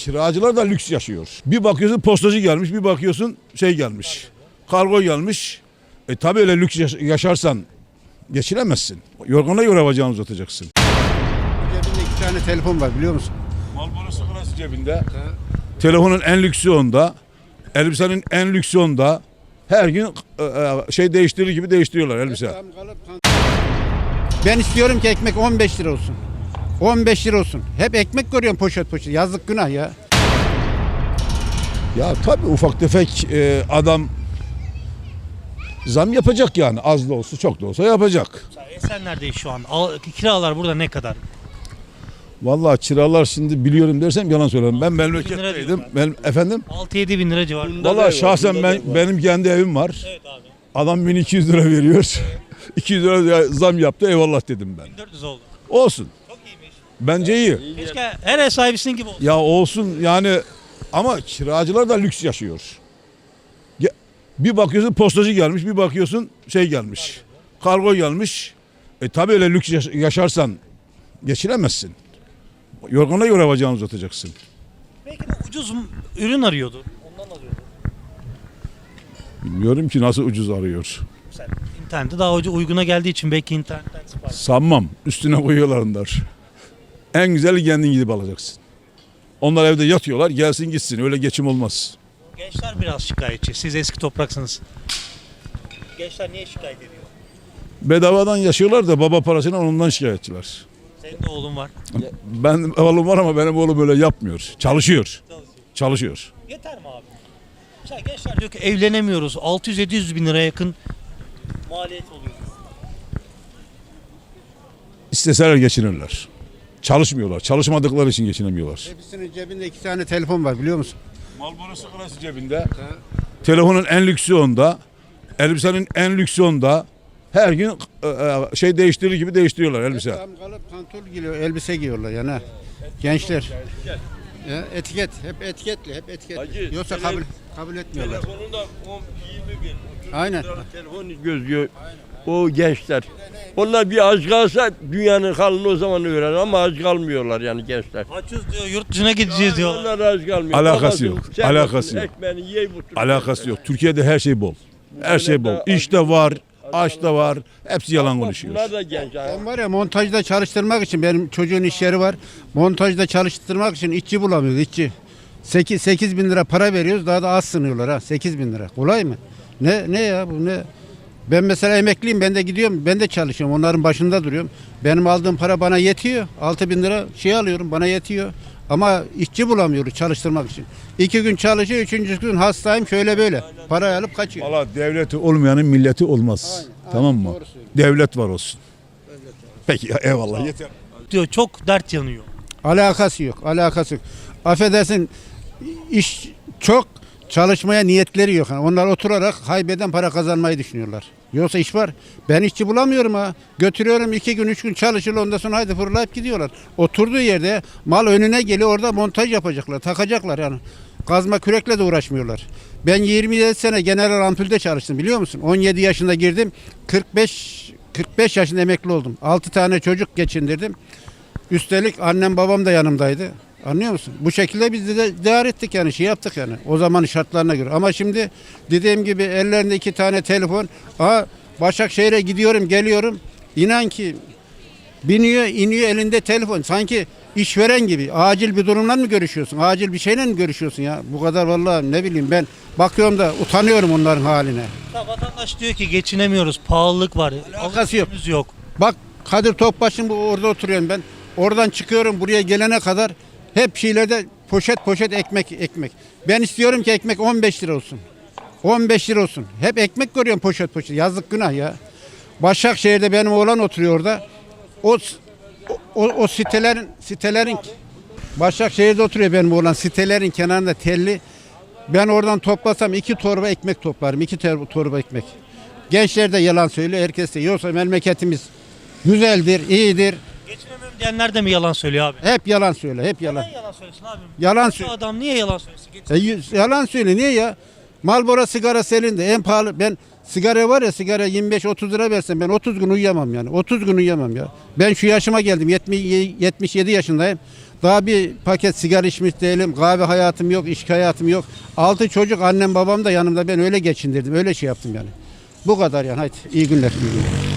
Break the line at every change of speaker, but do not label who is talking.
kiracılar da lüks yaşıyor. Bir bakıyorsun postacı gelmiş, bir bakıyorsun şey gelmiş. Kargo gelmiş. Tabii öyle lüks yaşarsan geçiremezsin. Yorgana göre bacağını uzatacaksın.
Cebinde 2 tane telefon var biliyor musun?
Marlboro sigarası cebinde. Telefonun en lüksü onda. Elbisenin en lüksü onda. Her gün şey değiştirir gibi değiştiriyorlar elbise.
Ben istiyorum ki ekmek 15 lira olsun. 15 lira olsun. Hep ekmek görüyorum poşet poşet. Yazık günah ya.
Ya tabii ufak tefek adam zam yapacak yani. Az da olsa çok da olsa yapacak.
Esenler'deyiz şu an. Kiralar burada ne kadar?
Vallahi kiralar şimdi biliyorum dersem yalan söylerim. Ben
6-7 bin lira
memleketteydim.
diyorlar.
Ben efendim.
6-7 bin lira civarında.
Vallahi şahsen benim kendi evim var.
Evet abi.
Adam 1200 lira veriyor. 200 lira zam yaptı. Eyvallah dedim ben.
1400 oldu.
Olsun.
Çok iyiymiş.
Bence iyi.
Keşke her ev sahibisinin gibi olsun.
Ya olsun yani ama kiracılar da lüks yaşıyor. Bir bakıyorsun postacı gelmiş, bir bakıyorsun şey gelmiş. Kargo gelmiş. Tabii öyle lüks yaşarsan geçiremezsin. Yorgana göre bacağını uzatacaksın.
Belki de ucuz ürün arıyordu. Ondan alıyordu.
Bilmiyorum ki nasıl ucuz arıyor.
Sen internette daha uyguna geldiği için belki internetten sipariş.
Sanmam. Üstüne koyuyorlar onlar. En güzeli kendin gidip alacaksın. Onlar evde yatıyorlar. Gelsin gitsin. Öyle geçim olmaz.
Gençler biraz şikayetçi. Siz eski topraksınız. Gençler niye şikayet ediyor?
Bedavadan yaşıyorlar da baba parasıyla ondan şikayetçiler.
Senin de oğlun var.
Ben oğlum var ama benim oğlum öyle yapmıyor. Çalışıyor. Çalışıyor.
Yeter mi abi? Mesela gençler diyor ki evlenemiyoruz. 600-700 bin liraya yakın maliyet oluyor.
İsteseler geçinirler. Çalışmıyorlar. Çalışmadıkları için geçinemiyorlar.
Hepsinin cebinde 2 tane telefon var biliyor musun?
Marlboro sigarası cebinde. Telefonun en lüksü onda. Elbisenin en lüksü onda. Her gün şey değiştirir gibi değiştiriyorlar elbise.
Tam kalıp pantol giyiyor, elbise giyiyorlar yani. Ha. Gençler. Ya, etiket, hep etiketli, hep etiketli.
Hacı,
Yoksa kabul etmiyorlar.
Telefonunda 10-20 bin.
Aynen.
Telefon gözlüyor o gençler. Onlar bir aç kalsa dünyanın halini o zaman öğrenir ama aç kalmıyorlar yani gençler.
Açız diyor, yurt dışına gideceğiz diyor.
Onlar aç kalmıyor.
Alakası yok,
Babası,
alakası yok.
Ekmeğini yiyin bu tür.
Alakası yok. Türkiye'de her şey bol. Her şey bol. İş de var, aş da var. Hepsi yalan konuşuyor.
Bunlar da genç.
Ben var ya montajda çalıştırmak için benim çocuğun iş yeri var. Montajda çalıştırmak için işçi bulamıyoruz işçi. 8 bin lira para veriyoruz daha da az sınıyorlar ha 8 bin lira. Kolay mı? Ne ya bu ne? Ben mesela emekliyim ben de gidiyorum ben de çalışıyorum onların başında duruyorum. Benim aldığım para bana yetiyor. 6 bin lira şey alıyorum bana yetiyor. Ama işçi bulamıyoruz çalıştırmak için. 2 gün çalışıyor 3. gün hastayım şöyle böyle. Parayı alıp kaçıyor.
Valla devleti olmayanın milleti olmaz.
Aynen,
Tamam mı?
doğru söylüyorsun.
Devlet var olsun. Peki eyvallah yeter.
Diyor çok dert yanıyor.
Alakası yok. Alakası yok. Affedersin iş çok çalışmaya niyetleri yok. Yani onlar oturarak haybeden para kazanmayı düşünüyorlar. Yoksa iş var. Ben işçi bulamıyorum ha. Götürüyorum 2 gün 3 gün çalışırlar ondan sonra haydi fırlayıp gidiyorlar. Oturduğu yerde mal önüne geliyor orada montaj yapacaklar. Takacaklar yani. Kazma kürekle de uğraşmıyorlar. Ben 27 sene General Ampul'de çalıştım biliyor musun? 17 yaşında girdim. 45 yaşında emekli oldum. 6 tane çocuk geçindirdim. Üstelik annem babam da yanımdaydı. Anlıyor musun? Bu şekilde biz de değer ettik yani şey yaptık yani. O zamanın şartlarına göre. Ama şimdi dediğim gibi ellerinde 2 tane telefon. Başakşehir'e gidiyorum geliyorum. İnan ki biniyor iniyor elinde telefon. Sanki işveren gibi. Acil bir durumla mı görüşüyorsun? Acil bir şeyle mi görüşüyorsun ya? Bu kadar vallahi ne bileyim ben bakıyorum da utanıyorum onların haline.
Ya vatandaş diyor ki geçinemiyoruz. Pahalılık var.
Alakası yok.
Alışverişimiz yok.
Bak Kadir Topbaş'ın orada oturuyorum ben. Oradan çıkıyorum buraya gelene kadar hep şeylerde poşet poşet ekmek. Ben istiyorum ki ekmek 15 lira olsun. 15 lira olsun. Hep ekmek görüyorum poşet poşet. Yazık günah ya. Başakşehir'de benim oğlan oturuyor orada. O sitelerin Başakşehir'de oturuyor benim oğlan. Sitelerin kenarında telli. Ben oradan toplasam 2 torba ekmek toplarım. 2 torba ekmek. Gençler de yalan söylüyor. Herkes de. Yoksa memleketimiz güzeldir, iyidir.
Geçinemiyorum diyenler de mi yalan söylüyor abi?
Hep yalan söyle, hep yalan.
Neden yalan söylesin abi?
Yalan
Bu
söyle.
adam niye yalan söylesin?
Yalan söyle niye ya? Marlboro sigarası elinde en pahalı. Ben sigara var ya sigara 25-30 lira versem ben 30 gün uyuyamam yani. 30 gün uyuyamam ya. Ben şu yaşıma geldim 77 yaşındayım. Daha bir paket sigara içmiş değilim. Kahve hayatım yok, içki hayatım yok. 6 çocuk, annem babam da yanımda, ben öyle geçindirdim. Öyle şey yaptım yani. Bu kadar yani. Haydi iyi günler. İyi günler.